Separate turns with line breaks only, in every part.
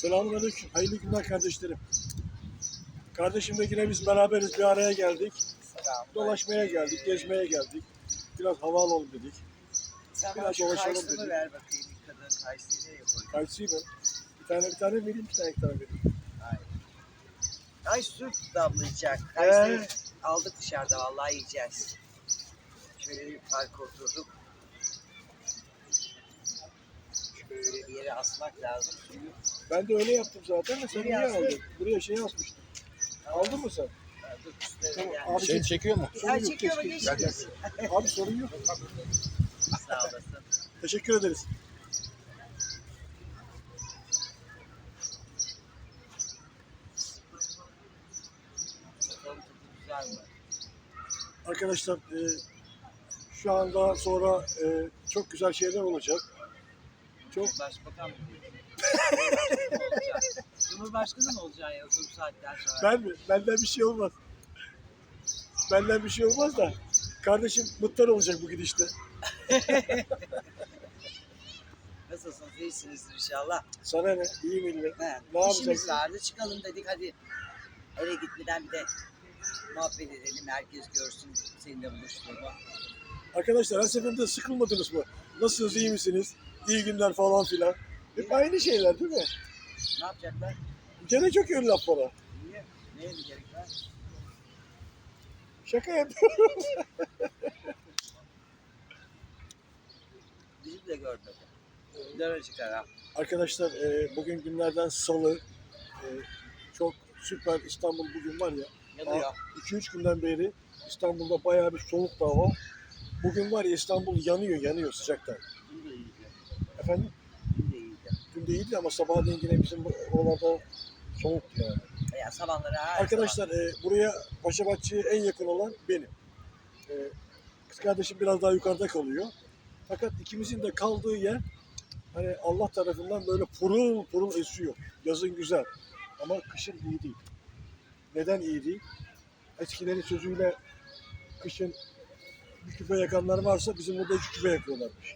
Selamünaleyküm. Hayırlı günler kardeşlerim. Kardeşimle yine biz beraberiz. Bir araya geldik. Dolaşmaya geldik, gezmeye geldik. Biraz hava alalım dedik.
Sen
Biraz
bana şu
dolaşalım
kayısını
dedik.
ver bakayım. Bir kadın kayısıyı nereye koydun?
Kayısıyı mı? Bir tane vereyim, iki tane vereyim.
Ay su damlayacak. Kayısıyı aldık dışarıda vallahi yiyeceğiz. Şöyle bir parka oturduk. Şöyle bir yere asmak lazım suyu.
Ben de öyle yaptım zaten de sen
Nereye
niye
astın?
aldın? Buraya şey asmıştım. Aldın mı sen?
Dur üstüne
Tamam.
yani.
Abi
Şey çekiyor mu?
sorun
Ay
yok,
çekiyor mu
keşke.
geçeceğiz?
Abi sorun yok.
Sağ olasın.
Teşekkür ederiz.
Bakalım tadı güzel mi?
Arkadaşlar şu anda sonra çok güzel şeyler olacak. Çok
Başbakan mı diyorsun? Cumhurbaşkanı mı olacaksın ya bu saatten sonra?
ben mi? Benden bir şey olmaz. Benden bir şey olmaz da kardeşim mutlu olacak bu gidişte.
Nasılsınız? İyisinizdir inşallah.
Sana ne? İyi millet.
He,
Ne
İşimiz
yapacaksın?
vardı. Çıkalım dedik hadi. Eve gitmeden bir de muhabbet edelim. Herkes görsün seninle buluştuğumu.
Arkadaşlar her seferinde sıkılmadınız mı? Nasılsınız, iyi misiniz? İyi günler falan filan. Hep aynı şeyler değil mi?
Ne yapacaklar?
Gene çok ön laf bana.
Niye? Neye mi gerek var?
Şaka yapıyorum.
Bizi de görmedi. Dara çıkar.
Arkadaşlar bugün günlerden salı. Çok süper İstanbul bugün var ya.
Yanıyor.
2-3 günden beri İstanbul'da bayağı bir soğuk da hava. Bugün var ya İstanbul yanıyor sıcaktan.
Dün de iyiydi.
Efendim?
Dün de iyiydi.
Dün değildi ama sabahleyin yine bizim oralarda soğuktu yani.
Ya sabahları her
Arkadaşlar buraya Paşabahçe'ye en yakın olan benim. Kız kardeşim biraz daha yukarıda kalıyor. Fakat ikimizin de kaldığı yer hani Allah tarafından böyle purul purul esiyor. Yazın güzel ama kışın iyi değil. Neden iyi değil? Eskilerin sözüyle kışın bir küpe yakanlar varsa bizim burada 2 küpe yakıyorlarmış.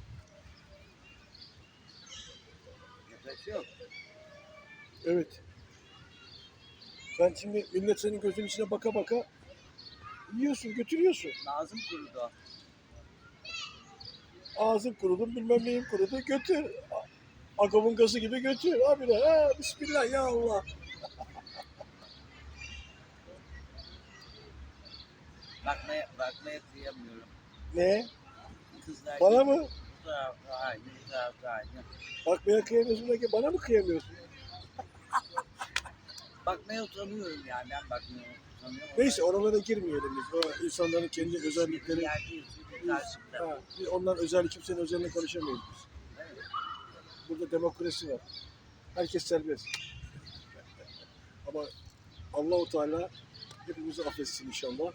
Yapacak yok.
Evet. Sen şimdi millet senin gözünün içine baka baka yiyorsun, götürüyorsun.
Nazım kurudu.
Ağzın kurudu, bilmem neyin kurudu, götür. Agavın gazı gibi götür. Abi de bismillah ya Allah.
Bakmaya kıyamıyorum.
Ne?
Kızlar
Bana
gibi
mı?
Bu tarafta aynı, bu tarafta aynı.
Bakmaya kıyamıyorsun da bana mı kıyamıyorsun?
Bakmaya utanıyorum yani. Ben bakmaya utanıyorum.
Neyse oralara girmeyelim biz. O insanların kendi
Bir
özellikleri.
yerde karşımda.
Ha, biz ondan özel kimsenin özeline karışamayız biz.
Evet.
Burada demokrasi var. Herkes serbest. Ama Allah-u Teala hepimizi affetsin inşallah.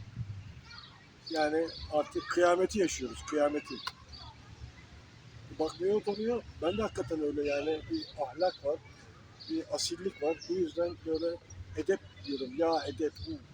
Yani artık kıyameti yaşıyoruz, kıyameti. Bakmaya utanıyor. Ben de hakikaten öyle yani bir ahlak var, bir asillik var. Bu yüzden böyle edep diyorum. Ya edep.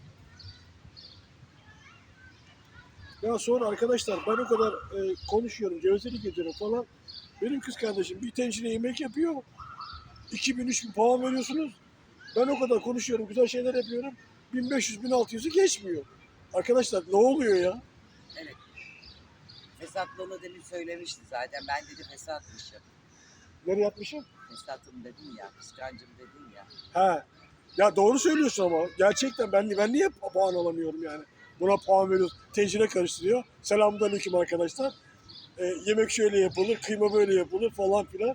Ya sonra arkadaşlar ben o kadar konuşuyorum, gevezelik ediyorum falan. Benim kız kardeşim bir tencere yemek yapıyor. 2000-3000 puan veriyorsunuz. Ben o kadar konuşuyorum, güzel şeyler yapıyorum. 1500-1600'ü geçmiyor. Arkadaşlar ne oluyor ya?
Evet. Fesatlığını demin söylemişti zaten. Ben dedi fesatmışım.
Nereye yatmışım?
Fesatım dedim ya. Kıskancım dedim ya.
He. Ya doğru söylüyorsun ama. Gerçekten ben niye puan alamıyorum yani? Buna puan veriyoruz. Tencere karıştırıyor. Selamünaleyküm arkadaşlar. Yemek şöyle yapılır, kıyma böyle yapılır falan filan.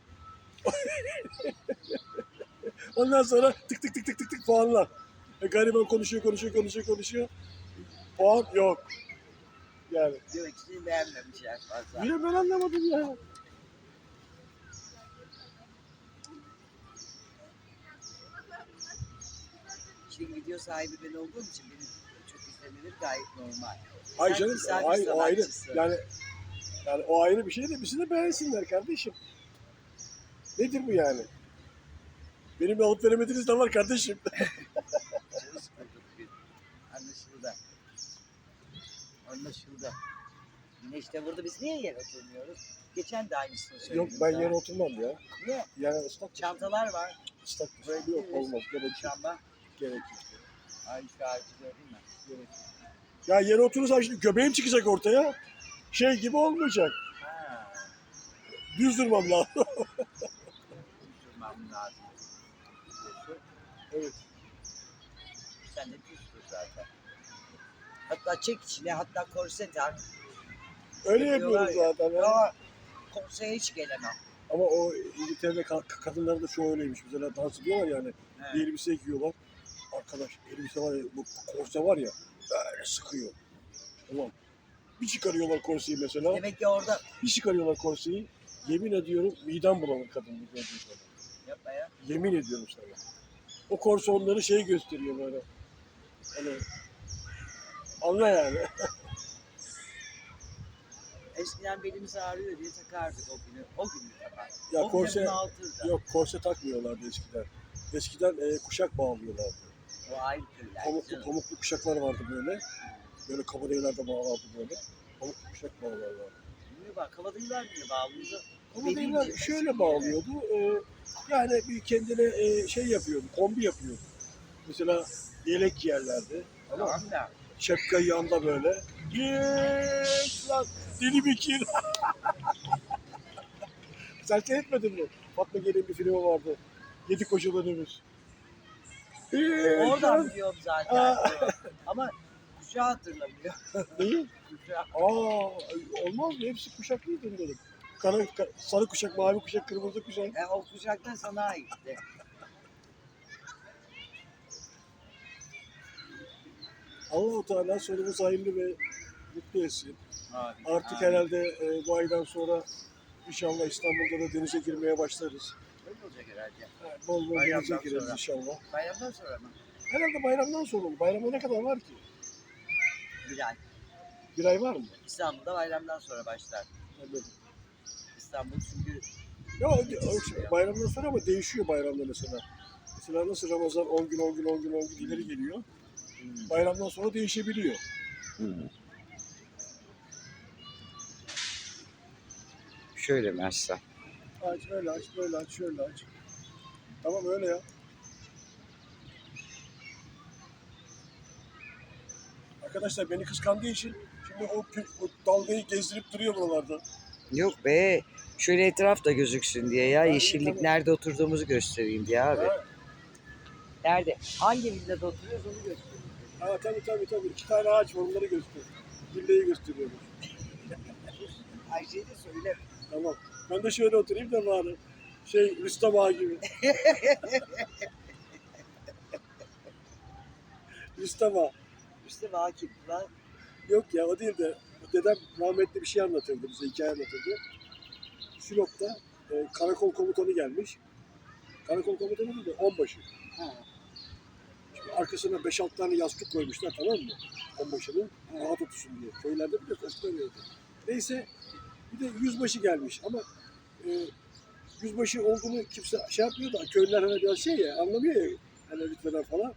Ondan sonra tık tık tık tık tık tık puanlar. Gariban konuşuyor. Puan yok. Yani.
Diyor ki seni beğenmemişler fazla.
Niye ben anlamadım ya.
Şimdi video sahibi ben olduğum için benim çok izlenilir gayet normal.
Ay
Sen
canım,
güzel bir
o ayrı.
sanatçısın.
Yani o ayrı bir şey de bizi de beğensinler kardeşim. Nedir bu yani? Benim alıp veremediğiniz de var kardeşim.
Canı sıkıldık bir. Anlaşıldı. Güneş de vurdu. Biz niye yere oturmuyoruz? Geçen de aynısını söyledim.
Yok ben
sana.
yere oturmam ya.
Niye?
Yani ıslak.
Çantalar var.
Islak.
Böyle
Yok olmaz. Gerek yok.
Şamba.
Gerek yok.
Ay şu ağacı gördün mü?
Gerek yok. Ya yere oturursam şimdi göbeğim çıkacak ortaya. Şey gibi olmayacak.
Ha.
Düz durmam lazım.
Durmam lazım. Diyorsun.
Evet.
Sen de düzdür zaten. Hatta çek içine, hatta korse tak.
Öyle
Yapıyorlar
yapıyoruz
ya.
zaten. Ya.
Ama korseye hiç gelemem.
Ama o İngiltere'de kadınların da çoğu öyleymiş. Mesela dans ediyorlar yani.
He.
Bir elbise giyiyorlar. Arkadaş elbise var ya, bu korse var ya böyle sıkıyor. Tamam. Bir çıkarıyorlar korseyi mesela.
Demek ki orada
Bir çıkarıyorlar korseyi. Yemin ediyorum midem bulanır kadın bu gördüğü zaman.
yapma ya.
Yemin ediyorum sana. O korse onları şey gösteriyor böyle. Hani anla yani.
Eskiden belimiz ağrıyor diye takardık o günü. O günü takar.
Ya
o
korse
günü bunaltırdı.
yok korse takmıyorlardı eskiden. Eskiden kuşak bağlıyorlardı.
O ayrı türler.
Pamuklu kuşaklar vardı böyle. Böyle kabareylerde bağlardı böyle. Pamuklu kuşak bağlarlardı.
Bilmiyorum bak kabadayılar bile bağlıydı.
Kabadayılar şöyle bağlıyordu. Yani bir kendine şey yapıyordu, kombi yapıyordu. Mesela yelek giyerlerdi. Tamam mı?
Tamam da.
Şapkayı yanda böyle. Geç lan deli Bekir. Sen seyretmedin mi? Fatma Gelin bir filmi vardı. Yedi Kocalı Önümüz.
Oradan biliyorum zaten.
Aa.
Ama kuşağı hatırlamıyor.
Neyi?
Kuşağı.
Olmaz mı? Hepsi kuşaklıydı dedim. Sarı kuşak, mavi kuşak, kırmızı kuşak.
O kuşaktan sana aitti.
Allah-u Teala sonumuz hayırlı ve mutlu etsin.
Abi,
Artık
abi.
herhalde bu aydan sonra inşallah İstanbul'da da denize girmeye başlarız.
Öyle olacak herhalde.
Bol bol
Bayramdan
denize gireriz
sonra.
inşallah.
Bayramdan sonra mı?
Herhalde bayramdan sonra olur. Bayramda ne kadar var ki?
Bir ay.
Bir ay var mı?
İstanbul'da bayramdan sonra başlar.
Anladım.
İstanbul çünkü
Ya bayramdan sonra ama değişiyor bayramda mesela. Mesela nasıl Ramazan 10 gün 10 gün 10 gün 10 gün ileri geliyor. Bayramdan sonra değişebiliyor.
şöyle mi açsam?
Aç öyle aç böyle aç şöyle aç. Tamam öyle ya. Arkadaşlar beni kıskandığı için şimdi o dalgayı gezdirip duruyor buralarda.
Yok be. Şöyle etraf da gözüksün diye ya.
Ha, iyi,
Yeşillik
tamam.
nerede oturduğumuzu göstereyim diye abi.
Ha,
Nerede? Hangi villada oturuyoruz onu göstereyim.
tabii. 2 tane ağaç var onları göster. Villayı gösteriyoruz.
Ayşe'ye de söyle.
Tamam. Ben de şöyle oturayım da bari. Rüstem Ağa gibi. Rüstem Ağa.
İşte vakit lan.
Yok ya o değil de dedem rahmetli bir şey anlatırdı bize, hikaye anlatırdı. Sinop'ta karakol komutanı gelmiş. Karakol komutanı değil de onbaşı.
Ha.
Şimdi arkasına 5-6 tane yastık koymuşlar tamam mı? Onbaşının rahat otursun diye. Köylerde bir de koşturuyordu. Neyse bir de yüzbaşı gelmiş ama yüzbaşı olduğunu kimse şey yapmıyor da köylüler hani biraz şey ya anlamıyor ya hani lütfen falan.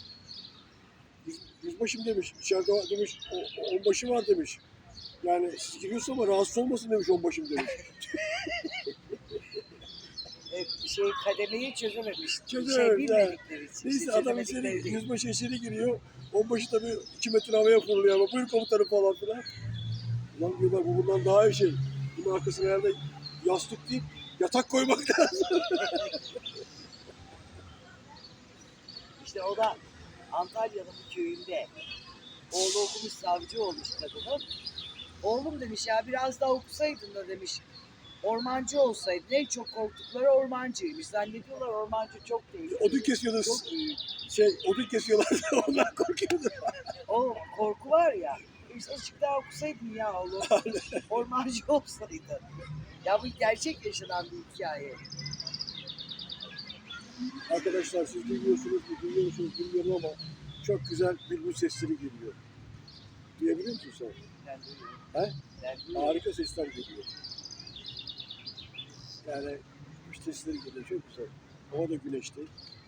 Yüzbaşım demiş, içeride demiş, onbaşı var demiş. Yani siz giriyorsun ama rahatsız olmasın demiş onbaşım demiş.
Kademeyi çözememiş.
Çözememiş,
Bilmedikleri için.
Neyse adam içeri,
çözemedikleri değil.
yüzbaşı içeri giriyor. Onbaşı tabii 2 metre havaya fırlıyor ama buyur komutanım falan filan. Ulan diyorlar bu bundan daha iyi şey. Bunun arkasına herhalde yastık değil, yatak koymak lazım.
İşte o da Antalya'nın bir köyünde. Oğlu okumuş, savcı olmuş kadının. Oğlum demiş ya biraz daha okusaydın da demiş. Ormancı olsaydın. En çok korktukları ormancıymış. Zannediyorlar ormancı çok değil.
Odun kesiyorlar,
Çok büyük.
odun kesiyorlar ondan korkuyordu.
O korku var ya. İşte azıcık daha okusaydın ya oğlum. Ormancı olsaydın. Ya bu gerçek yaşanan bir hikaye.
Arkadaşlar siz duyuyor musunuz bilmiyorum ama çok güzel bülbül sesleri geliyor. Duyabiliyor musun sen?
Ben duyuyorum.
He?
Ben duyuyorum.
Harika sesler geliyor. Yani kuş sesleri geliyor çok güzel. Hava da güneşli.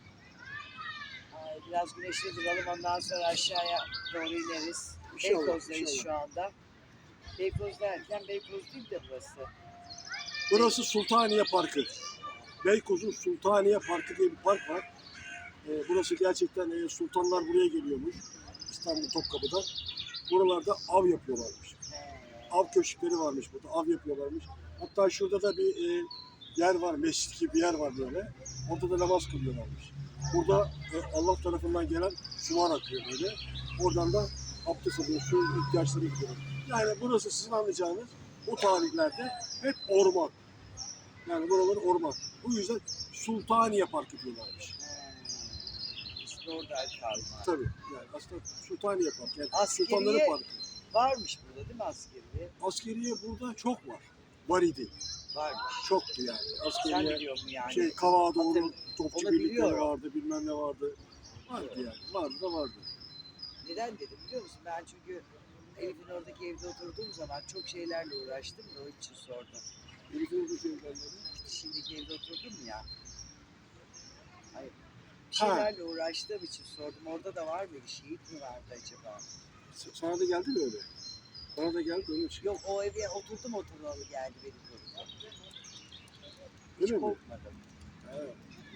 Biraz güneşli duralım ondan sonra aşağıya doğru ineriz.
İnşallah,
Beykoz'dayız
inşallah.
şu anda. Beykoz derken Beykoz değil de burası.
Burası Sultaniye Parkı. Beykoz'un Sultaniye Parkı diye bir park var. Burası gerçekten sultanlar buraya geliyormuş. İstanbul Topkapı'dan. Buralarda av yapıyorlarmış. Av köşkleri varmış burada. Av yapıyorlarmış. Hatta şurada da bir yer var. Mescit gibi bir yer var böyle. Orada da namaz kılıyorlarmış. Burada Allah tarafından gelen sular akıyor böyle. Oradan da abdest alıyor. Su ihtiyaçları gidiyor. Yani burası sizin anlayacağınız o tarihlerde hep orman. Yani buralar orman. Bu yüzden Sultaniye Parkı diyorlarmış.
İşte oradan kalma.
Tabii. Yani aslında Sultaniye Parkı. Yani
Askeriye-
Sultanların Parkı.
Varmış burada değil mi askeriye?
Askeriye burada çok var. Var idi.
Varmış.
Çoktu yani.
Sen
Askeriye
biliyor musun yani?
Kavağa doğru
Hatırlıyorum.
topçu
Onu
birlikleri
biliyorum.
vardı, bilmem ne vardı. Vardı yani. Vardı da vardı.
Neden dedim biliyor musun? Ben çünkü Elif'in oradaki evde oturduğum zaman çok şeylerle uğraştım da o için sordum.
Elif'in bu şeylerleri.
Şimdiki evde oturdum ya. Hayır. Bir
Ha.
şeylerle uğraştığım için sordum. Orada da var mı bir şehit mi vardı acaba?
Sana da geldi mi öyle? Bana da geldi onun için.
Yok o eve oturdum oturalı geldi benim koluma. Hiç
Öyle mi?
korkmadım.
Evet.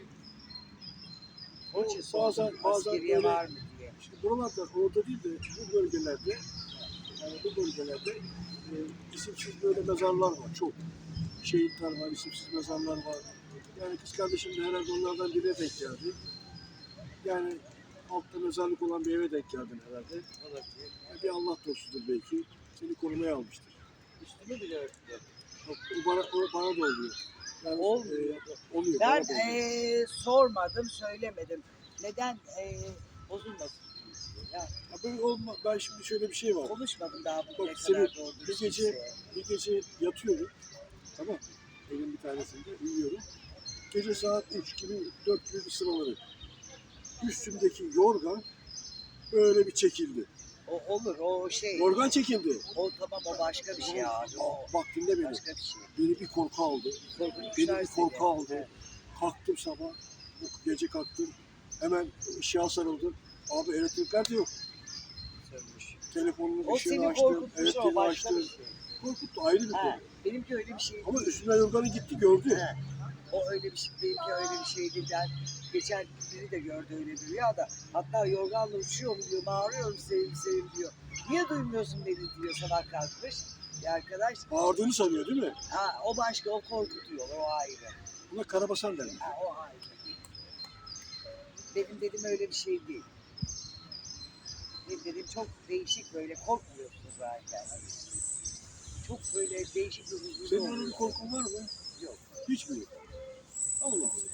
Onun için
Bazen-
sordum.
bazen
Askeriye
böyle-
var mı diye.
Şimdi buralarda, orada değil de bu bölgelerde, yani bu bölgelerde isimsiz böyle mezarlar var. Çok. Şehitler var, isimsiz mezarlar var. Yani kız kardeşim de herhalde onlardan birine denk geldi. Yani altta mezarlık olan bir eve denk geldin herhalde.
Olabilir.
Bir Allah dostudur belki. Seni korumaya almıştır.
Üstünü bile örttü.
O bana da oluyor. Yani,
Olmuyor.
oluyor.
Ben
bana da oluyor.
sormadım, söylemedim. Neden bozulmasın diye. Ya,
Ya böyle olma, ben şimdi şöyle bir şey var.
konuşmadım daha bugüne
Bak,
kadar
senin
doğru
bir
dürüst
gece-
kimseye.
Bir gece yatıyorum. Tamam. Evin bir tanesinde uyuyorum. Gece saat 3 gibi, 4 gibi bir sıraları. Üstümdeki yorgan böyle bir çekildi.
O olur, o şey.
Yorgan çekildi.
O tamam, o başka bir şey abi. O
Bak dinle beni.
başka bir şey.
Beni bir korku aldı.
Korkunçlar
Beni bir korku
seni.
aldı.
Evet,
Kalktım sabah. Gece kalktım. Hemen ışığa sarıldım. Abi elektrikler de yok.
sönmüş.
Telefonumun
O
ışığını
seni
açtım.
korkutmuş, o
Elektriğini
başka
açtım.
bir şey.
Korkuttu, ayrı bir
Ha,
konu.
benimki öyle bir şey
Ama
değil.
üstüne yorganı gitti gördü.
He. O öyle bir şey, benimki öyle bir şey değil. Ben geçen biri de gördü öyle bir rüyada. Hatta yorganla uçuyorum diyor, bağırıyorum sevim sevim diyor. Niye duymuyorsun beni diyor, sabah kalkmış. Bir arkadaş,
Bağırdığını sanıyor değil mi?
ha, o başka, o korkutuyor, o ayrı.
Buna karabasan derler.
Ha, o ayrı. Benim dedim öyle bir şey değil. Benim dedim çok değişik, böyle korkmuyorsun zaten. Çok böyle değişik bir huzurlu
Senin öyle bir
oluyor.
korkun var mı?
Yok.
Hiç mi yok? Allah Allah.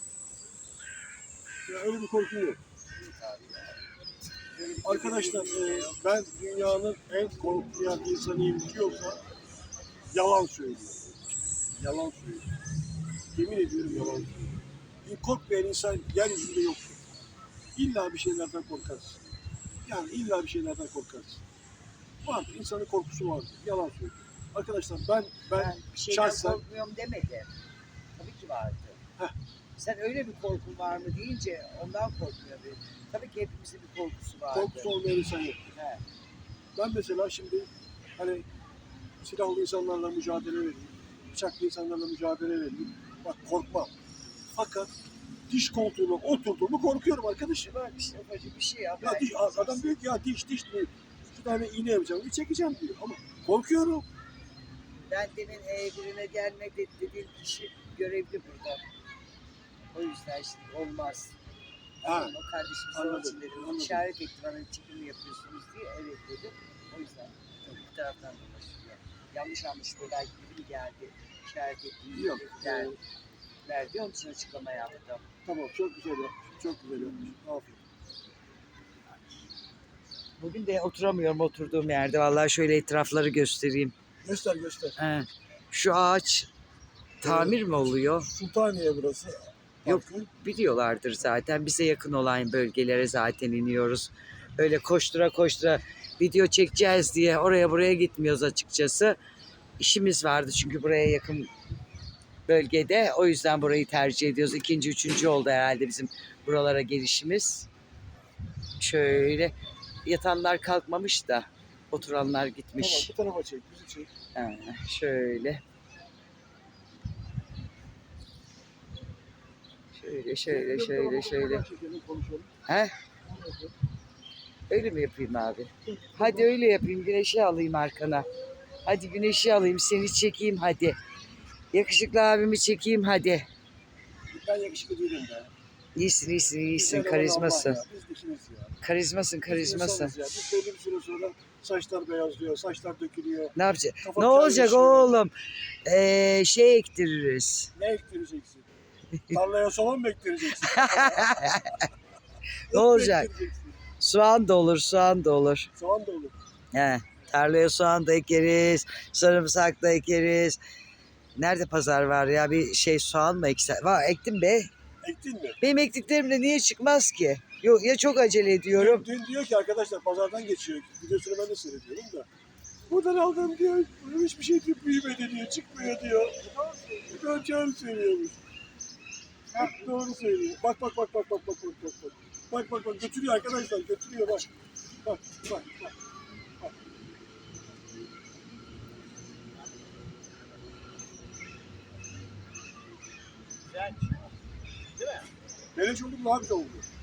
Ya öyle bir korkun yok.
Yok abi ya. Böyle bir
Arkadaşlar
şey yok.
ben dünyanın en korkmayan insanıyım diyorsa yalan söylüyor. Yalan söylüyor. Yemin ediyorum yalan söylüyor. Korkmayan insan yeryüzünde yoktur. İlla bir şeylerden korkarsın. Yani illa bir şeylerden korkarsın. Vardır. İnsanın korkusu vardır. Yalan söylüyor. Arkadaşlar ben
Ben bir şeyden
şahsen-
korkmuyorum demedi. Tabii ki vardı.
Heh.
Sen öyle bir korkun var mı deyince ondan korkmuyor. Tabii ki hepimizin bir korkusu vardı.
korkusu olmayan insan yok.
He.
Ben mesela şimdi hani silahlı insanlarla mücadele vereyim, bıçaklı insanlarla mücadele vereyim. Bak korkmam. Fakat diş koltuğuna oturduğumu korkuyorum arkadaşım.
Bak işte ufacık bir şey ya.
Ya
belki
adam diyor ki ya diş diyor. 2 tane iğne yapacağım, bir çekeceğim diyor. Ama korkuyorum.
Ben demin birine gelmek dediğim kişi görevli burada. O yüzden şimdi olmaz.
Ha,
O kardeşim
anladım,
onun için dedim.
anladım.
İşaret etti bana, çekim mi yapıyorsunuz diye. Evet dedim. O yüzden bu taraftan dolaşıyor. Yanlış anlaşıldı. Belki biri mi geldi? İşaret ettiğim
Yok,
der, verdi. Onun için açıklama yaptım.
tamam çok güzel yapmış. Çok güzel yapmış. Aferin.
Bugün de oturamıyorum oturduğum yerde. Vallahi şöyle etrafları göstereyim.
Göster göster.
He. Şu ağaç tamir mi oluyor?
Sultaniye burası.
Yok.
Parkı.
Biliyorlardır zaten. Bize yakın olan bölgelere zaten iniyoruz. Öyle koştura koştura video çekeceğiz diye oraya buraya gitmiyoruz açıkçası. İşimiz vardı çünkü buraya yakın bölgede. O yüzden burayı tercih ediyoruz. İkinci, üçüncü oldu herhalde bizim buralara gelişimiz. Şöyle yatanlar kalkmamış da Oturanlar
Tamam,
gitmiş.
bu tarafa çek, bizi çek.
Ha, şöyle. Şöyle.
Çekelim, konuşalım.
He? Öyle mi yapayım abi? Hadi öyle yapayım. Güneşi alayım arkana. Hadi güneşi alayım. Seni çekeyim hadi. Yakışıklı abimi çekeyim hadi.
Ben yakışıklı değilim be.
İyisin.
Güzel olan
Karizmasın.
Allah ya, biz dikiniz ya.
Karizmasın.
Biz insanız ya. Biz belli bir süre sonra saçlar beyazlıyor, saçlar dökülüyor.
Ne yapacak?
Kafa
Ne olacak
kaynaşıyor.
oğlum? Şey ektiririz.
Ne ektireceksin? Tarlaya soğan mı ektireceksin?
Ne
Ot mu
olacak?
ektireceksin?
Soğan da olur.
Soğan da olur.
He, tarlaya soğan da ekeriz. Sarımsak da ekeriz. Nerede pazar var ya? Bir şey soğan mı eksen? Var ektim be.
Ektin mi?
Benim ektiklerimde niye çıkmaz ki? Yok ya çok acele ediyorum.
Dün diyor ki arkadaşlar pazardan geçiyor. Videosunu ben de seyrediyorum da. Buradan aldım diyor. Hiçbir şey büyümedi diyor. Çıkmıyor diyor. Doğru söylüyormuş. Bak doğru söylüyor. Bak. Bak götürüyor arkadaşlar. Götürüyor bak. Bak.
Güzel. Değil mi?
Beleş oldu mu daha güzel oldu.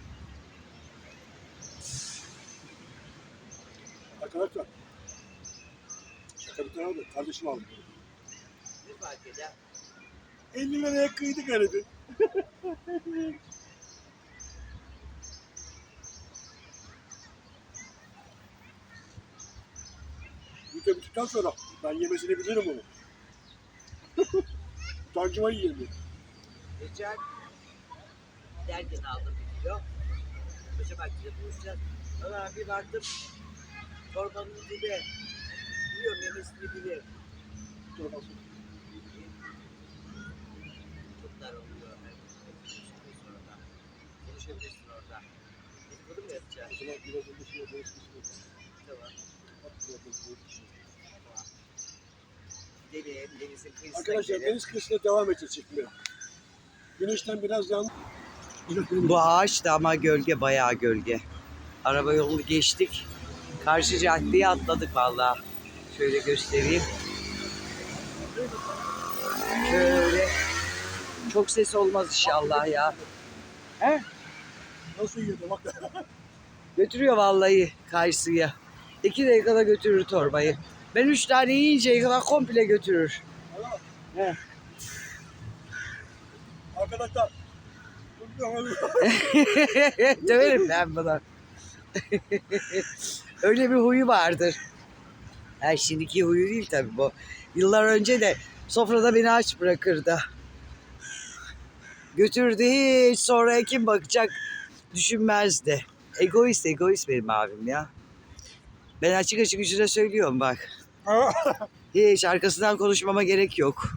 Arkadaşlar. Şaka bir tarafa da kardeşim aldı.
Ne fark eder?
50 liraya kıydık aradı. Video bittikten sonra ben yemesini bilirim onu. Utancıma yiyemiyor.
Geçen derken aldım bir kilo. Paşa Bahçe'de buluşacağız. Sonra bir baktım torbanın dibi. Biliyorum yemesini bilir.
Dur bakalım.
Çok dar oluyor. Sonra konuşabilirsin orada. Dedikodu mu yapacağız?
O zaman biraz önce şey yaparız.
Tamam.
Tamam.
Gidelim denizin kıyısına
Arkadaşlar
gidelim.
deniz kıyısına devam edeceğiz çekmeye. Güneşten biraz yan.
Bu ağaç da ama gölge, bayağı gölge. Araba yolu geçtik. Karşı caddeye atladık vallahi. Şöyle göstereyim. Şöyle. Çok ses olmaz inşallah ya. He?
Nasıl yiyordu bak.
Götürüyor vallahi karşıya. 2 dakikada götürür torbayı. Ben 3 tane yiyinceye kadar komple götürür. He.
Arkadaşlar.
Döverim ben buna. Öyle bir huyu vardır. Ha, şimdiki huyu değil tabii bu. Yıllar önce de sofrada beni aç bırakırdı. Götürdü hiç sonra kim bakacak düşünmezdi. Egoist benim abim ya. Ben açık yüzüne söylüyorum bak. Hiç arkasından konuşmama gerek yok.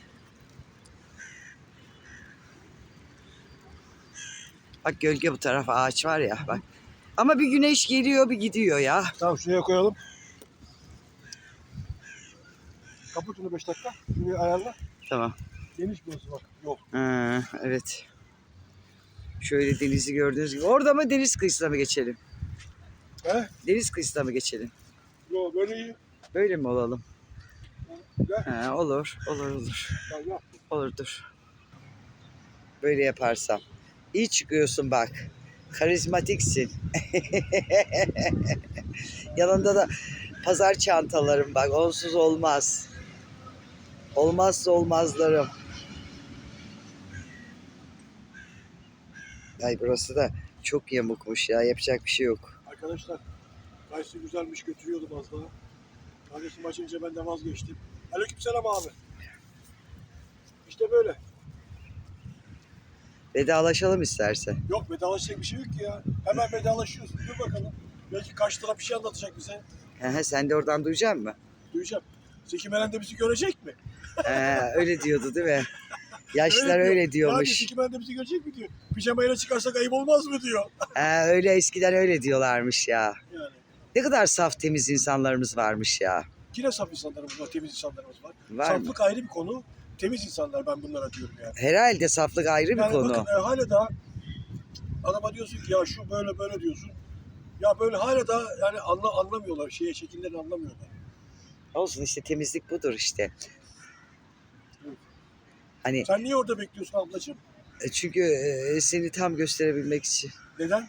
Bak gölge bu tarafa ağaç var ya bak. Ama bir güneş geliyor bir gidiyor ya.
Tamam şuraya koyalım. Kapat onu 5 dakika. Şurayı ayarla.
Tamam.
Geniş burası bak. Yok.
Ha, evet. Şöyle denizi gördüğünüz gibi. Orada mı deniz kıyısına mı geçelim?
He?
Deniz kıyısına mı geçelim?
Yok böyle iyi.
Böyle mi olalım?
Gel.
Ha, olur.
Tamam gel.
Olur dur. Böyle yaparsam. İyi çıkıyorsun bak. Karizmatiksin. Yanında da pazar çantalarım bak. Onsuz olmaz. Olmazsa olmazlarım. Ay burası da çok yamukmuş ya. Yapacak bir şey yok.
Arkadaşlar. Kayısı güzelmiş götürüyordum az daha. Kardeşim açınca ben de vazgeçtim. Aleykümselam abi. İşte böyle.
Vedalaşalım istersen.
Yok vedalaşacak bir şey yok ki ya. Hemen vedalaşıyorsun. Dur bakalım. Belki karşı taraf bir şey anlatacak bize.
Sen de oradan duyacak mısın?
Duyacağım. Zeki Müren de bizi görecek mi?
Öyle diyordu değil mi? Yaşlılar öyle
Yani
diyormuş.
Zeki Müren de bizi görecek mi diyor. Pijamayla çıkarsak ayıp olmaz mı diyor.
Öyle eskiden öyle diyorlarmış ya.
Yani.
Ne kadar saf temiz insanlarımız varmış ya.
Yine saf insanlarımız var, temiz insanlarımız var.
Var mı?
Saflık ayrı bir konu. Temiz insanlar ben bunlara diyorum yani.
Herhalde saflık ayrı bir
Yani
konu.
bakın hala daha adama diyorsun ki ya şu böyle diyorsun. Ya böyle hala da yani anlamıyorlar. Şekillerini anlamıyorlar.
Olsun işte, temizlik budur işte. Hani
Sen niye orada bekliyorsun ablacığım?
çünkü seni tam gösterebilmek için.
Neden?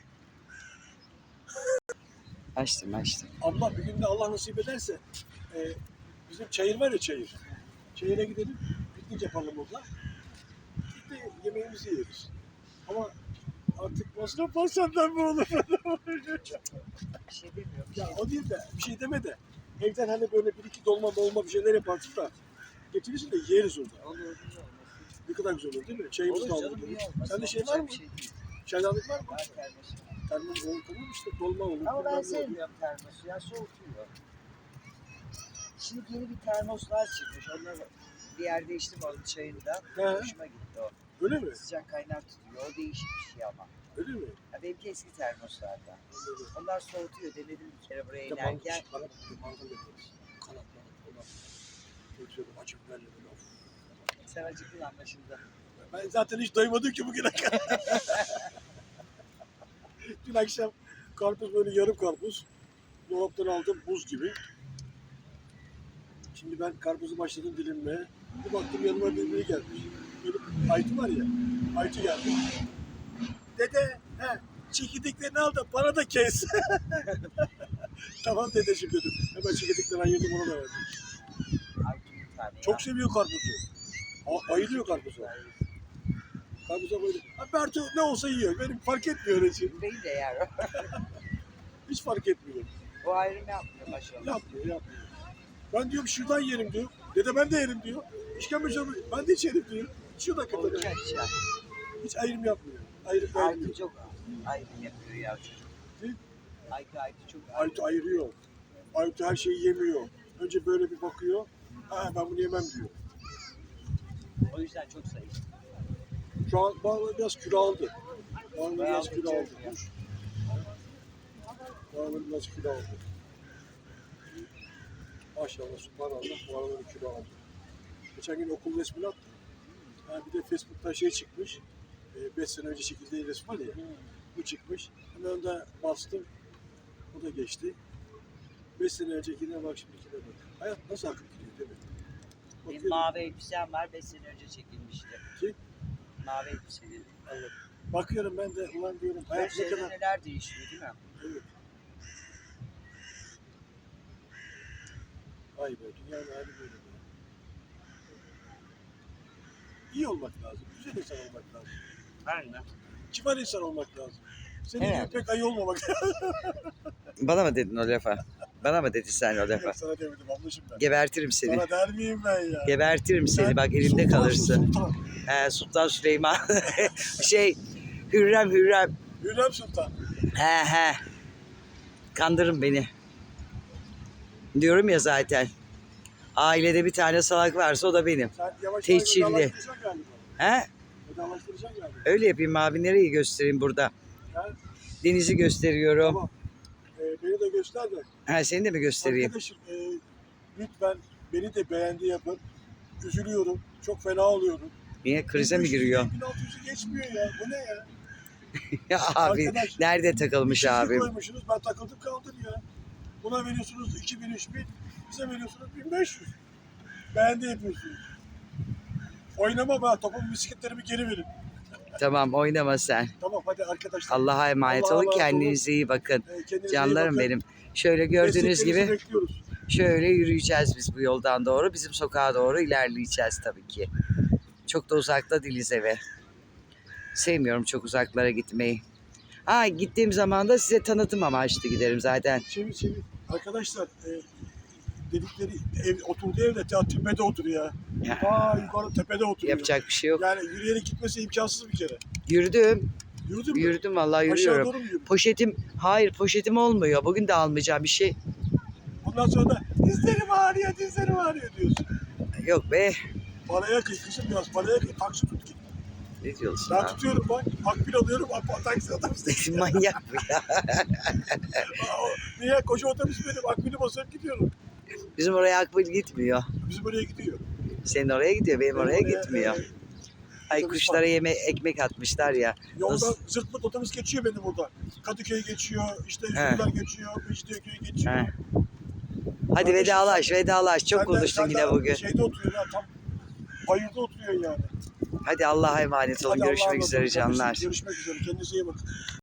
Açtım.
Abla bir gün de Allah nasip ederse e, bizim çayır var ya çayır. Çayıra gidelim. Piknik yapalım orada. Bir de yemeğimizi yeriz. Ama artık masraf var senden mi olur?
Bir şey demiyorum.
Ya o değil de bir şey deme de. Evden hani böyle bir iki dolma bir şeyler yaparsın da getirirsin de yeriz orada.
Olur.
Ne kadar güzel olur değil mi? Çayımız da
Olur
olur.
canım, niye olmaz?
Sende şey var mı?
Bir şey değil.
Çaydanlık var mı?
Var termos.
Termos olur tamam işte dolma olur.
Ama ben
bilmem ne olur.
sevmiyorum termosu ya, soğutuyor. Şimdi yeni bir termoslar çıkmış. Onları bir yerde içtim onun çayında.
He.
Hoşuma gitti o.
Öyle mi?
Sıcak kaynar tutuyor. O değişik bir şey ama.
Öyle mi?
Ya benimki eski termoslardan.
Anladım.
Onlar soğutuyor. Denedim bir kere buraya
Bir de
inerken.
mangal yaparız. Kanat. Çok güzel acı biberle böyle. Of.
Sen acıktın anlaşıldı.
Ben zaten hiç doymadım ki bugüne kadar. Dün akşam karpuz böyle yarım karpuz. Dolaptan aldım buz gibi. Şimdi ben karpuzu başladım dilimlemeye. Bir baktım yanıma biri gelmiş. Benim Aytu var ya. Aytu geldi. Dede çekirdeklerini al da bana da kes. Tamam dedeciğim dedim. Hemen çekirdekleri ayırdım ona da verdim.
Ay bir tane
Çok seviyor karpuzu. Bayılıyor karpuza. Karpuza bayılıyor. Bertu ne olsa yiyor. Benim fark etmiyor öyle şey.
Beni de yer.
Hiç fark etmiyor.
O ayrım yapmıyor maşallah.
Yapmıyor. Ben diyorum şuradan yerim diyor. Dede ben de yerim diyor. İşkembe çorbası ben de içerim diyor. Şuradan kadar.
Olacak şey.
Hiç ayrım yapmıyor. Ayrım
Aytu
beğenmiyor.
çok ayrım yapıyor ya çocuk.
Değil?
Aytu çok
Aytu ayırıyor. Aytu her şeyi yemiyor. Önce böyle bir bakıyor. Ben bunu yemem diyor.
O yüzden çok zayıf.
Şu an bağlı biraz kilo aldı. Bağlı biraz kilo aldı.
Ya.
Bağlı biraz kilo aldı. Maşallah subhanallah bu araları kilo aldı. Geçen gün okul resmini attım. Bir de Facebook'ta şey çıkmış. 5 sene önce çekildiği resim var ya. Bu çıkmış. Hemen de bastım. O da geçti. 5 sene öncekine bak şimdikine bak. Hayat nasıl akıp gidiyor değil mi?
Benim
Bakıyorum.
mavi elbisem var, 5 sene önce çekilmişti.
Kim?
Mavi elbiseli.
Evet. Bakıyorum ben de ulan diyorum hayat ne
Gözlerinde
kadar...
neler değişiyor değil mi?
Evet. Vay be dünyanın hali böyle. İyi olmak lazım. Güzel insan olmak lazım.
Aynen.
Kibar insan olmak lazım. Senin
Evet.
gibi pek ayı olmamak lazım.
Bana mı dedin o lafa? Bana mı dedin sen o lafa?
Sana demedim ablacığım ben.
Gebertirim seni.
Sana der miyim ben ya?
Gebertirim seni,
Sen
bak elimde
sultansın,
kalırsın.
Sultan.
Sultan Süleyman. Hürrem.
Hürrem Sultan.
He. Kandırın beni. Diyorum ya zaten. Ailede bir tane salak varsa o da benim.
Sen yavaş
Tehcirli.
yavaş vedalaştıracaksın galiba.
He?
Vedalaştıracaksın galiba.
Öyle yapayım abi, nereyi göstereyim burada?
Ha?
Denizi gösteriyorum.
Tamam. Beni de göster de.
Seni de mi göstereyim?
Arkadaşım lütfen beni de beğendi yapın. Üzülüyorum. Çok fena oluyorum.
Niye, krize mi giriyor?
1600'ü geçmiyor ya. Bu ne ya?
Ya abi
Arkadaş,
nerede takılmış
çizgi
abim?
koymuşsunuz. Ben takıldım kaldım ya. Buna veriyorsunuz 2000-3000. Bize veriyorsunuz 1500. Beğendi yapıyorsunuz. Oynama be. Topumu bisikletlerimi geri verin.
Tamam, oynama sen.
Tamam hadi arkadaşlar.
Allah'a emanet
Allah'a
olun,
emanet olun.
kendinize iyi bakın.
Kendinize iyi
Canlarım
bakın.
benim. Şöyle gördüğünüz
Desteklerinizi
gibi
bekliyoruz.
şöyle yürüyeceğiz biz bu yoldan doğru. Bizim sokağa doğru ilerleyeceğiz tabii ki. Çok da uzakta değiliz eve. Sevmiyorum çok uzaklara gitmeyi. Gittiğim zaman da size tanıtım amaçlı giderim zaten.
Çevir. Arkadaşlar dedikleri oturduğu evde tepede oturuyor ya. Yukarı tepede oturuyor.
Yapacak bir şey yok.
Yani yürüyerek gitmesi imkansız bir kere.
Yürüdüm.
Yürüdün mü?
Yürüdüm vallahi,
Aşağı
yürüyorum.
doğru mu yürüdün?
Poşetim olmuyor. Bugün de almayacağım bir şey.
Ondan sonra da dizlerim ağrıyor diyorsun.
Yok be.
Paraya kıy kızım biraz paraya kıy. Taksi tut git.
Ne diyorsun
Ben
abi?
tutuyorum bak. Akbil alıyorum. Taksi otobüs.
Manyak bu ya.
Niye? Koca otobüs benim. Akbil'i basıp gidiyorum.
Bizim oraya akbil gitmiyor.
Bizim oraya gidiyor.
Senin oraya gidiyor, benim oraya gitmiyor. Ay
Otobüs
kuşlara
var.
ekmek atmışlar ya.
Yolda
Nasıl?
zırtlık otobüs geçiyor beni burada. Kadıköy geçiyor, işte
He.
Üsküdar geçiyor, Mecidiyeköy geçiyor.
He. Hadi
Kardeşim
vedalaş vedalaş. Çok konuştun yine bugün.
Şeyde oturuyor ya, tam bayırda oturuyor yani.
Hadi Allah'a emanet olun.
Hadi Allah'a
Görüşmek
emanet
üzere
olun kardeşim.
canlar.
Görüşmek üzere. Kendinize iyi bakın.